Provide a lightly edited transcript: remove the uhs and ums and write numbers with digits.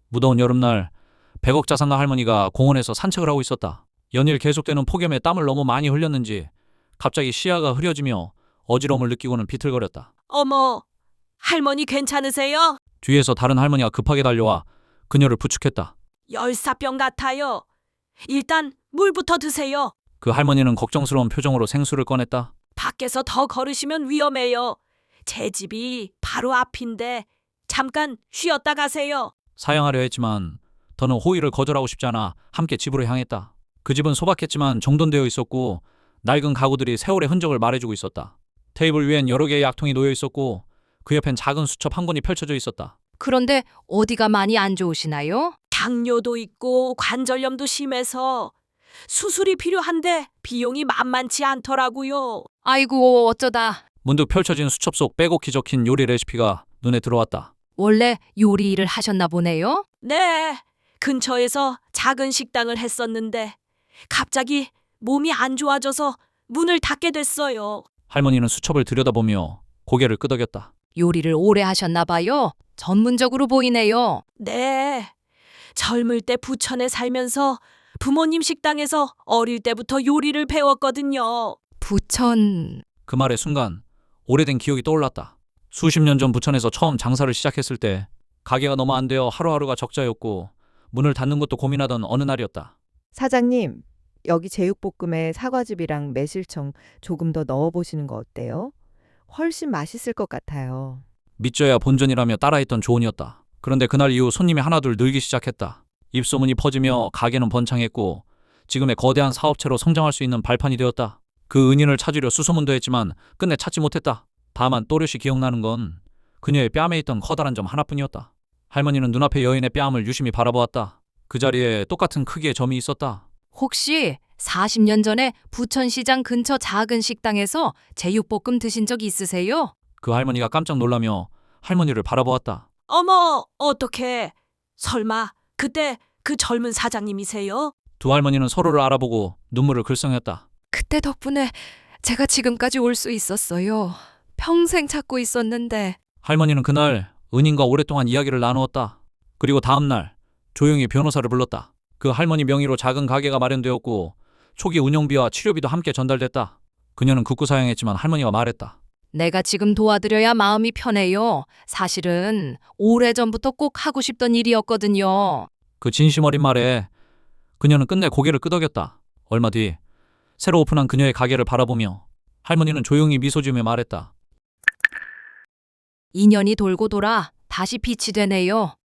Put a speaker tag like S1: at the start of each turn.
S1: 무더운 여름날 100억 자산가 할머니가 공원에서 산책을 하고 있었다. 연일 계속되는 폭염에 땀을 너무 많이 흘렸는지 갑자기 시야가 흐려지며 어지러움을 느끼고는 비틀거렸다.
S2: 어머, 할머니 괜찮으세요?
S1: 뒤에서 다른 할머니가 급하게 달려와 그녀를 부축했다.
S2: 열사병 같아요. 일단 물부터 드세요.
S1: 그 할머니는 걱정스러운 표정으로 생수를 꺼냈다.
S2: 밖에서 더 걸으시면 위험해요. 제 집이 바로 앞인데 잠깐 쉬었다 가세요.
S1: 사양하려 했지만 더는 호의를 거절하고 싶지 않아 함께 집으로 향했다. 그 집은 소박했지만 정돈되어 있었고 낡은 가구들이 세월의 흔적을 말해주고 있었다. 테이블 위엔 여러 개의 약통이 놓여 있었고 그 옆엔 작은 수첩 한 권이 펼쳐져 있었다.
S3: 그런데 어디가 많이 안 좋으시나요?
S2: 당뇨도 있고 관절염도 심해서 수술이 필요한데 비용이 만만치 않더라고요.
S3: 아이고 어쩌다.
S1: 문득 펼쳐진 수첩 속 빼곡히 적힌 요리 레시피가 눈에 들어왔다.
S3: 원래 요리 일을 하셨나 보네요?
S2: 네, 근처에서 작은 식당을 했었는데 갑자기 몸이 안 좋아져서 문을 닫게 됐어요.
S1: 할머니는 수첩을 들여다보며 고개를 끄덕였다.
S3: 요리를 오래 하셨나 봐요. 전문적으로 보이네요.
S2: 네, 젊을 때 부천에 살면서 부모님 식당에서 어릴 때부터 요리를 배웠거든요.
S3: 부천...
S1: 그 말의 순간 오래된 기억이 떠올랐다. 수십 년 전 부천에서 처음 장사를 시작했을 때 가게가 너무 안 되어 하루하루가 적자였고 문을 닫는 것도 고민하던 어느 날이었다.
S4: 사장님, 여기 제육볶음에 사과즙이랑 매실청 조금 더 넣어보시는 거 어때요? 훨씬 맛있을 것 같아요.
S1: 믿져야 본전이라며 따라했던 조언이었다. 그런데 그날 이후 손님이 하나둘 늘기 시작했다. 입소문이 퍼지며 가게는 번창했고 지금의 거대한 사업체로 성장할 수 있는 발판이 되었다. 그 은인을 찾으려 수소문도 했지만 끝내 찾지 못했다. 다만 또렷이 기억나는 건 그녀의 뺨에 있던 커다란 점 하나뿐이었다. 할머니는 눈앞의 여인의 뺨을 유심히 바라보았다. 그 자리에 똑같은 크기의 점이 있었다.
S3: 혹시 40년 전에 부천시장 근처 작은 식당에서 제육볶음 드신 적 있으세요?
S1: 그 할머니가 깜짝 놀라며 할머니를 바라보았다.
S2: 어머, 어떡해. 설마 그때 그 젊은 사장님이세요?
S1: 두 할머니는 서로를 알아보고 눈물을 글썽였다.
S3: 그때 덕분에 제가 지금까지 올 수 있었어요. 평생 찾고 있었는데.
S1: 할머니는 그날 은인과 오랫동안 이야기를 나누었다. 그리고 다음 날 조용히 변호사를 불렀다. 그 할머니 명의로 작은 가게가 마련되었고 초기 운영비와 치료비도 함께 전달됐다. 그녀는 극구 사양했지만 할머니가 말했다.
S3: 내가 지금 도와드려야 마음이 편해요. 사실은 오래전부터 꼭 하고 싶던 일이었거든요.
S1: 그 진심 어린 말에 그녀는 끝내 고개를 끄덕였다. 얼마 뒤 새로 오픈한 그녀의 가게를 바라보며 할머니는 조용히 미소 지으며 말했다.
S3: 2년이 돌고 돌아 다시 빛이 되네요.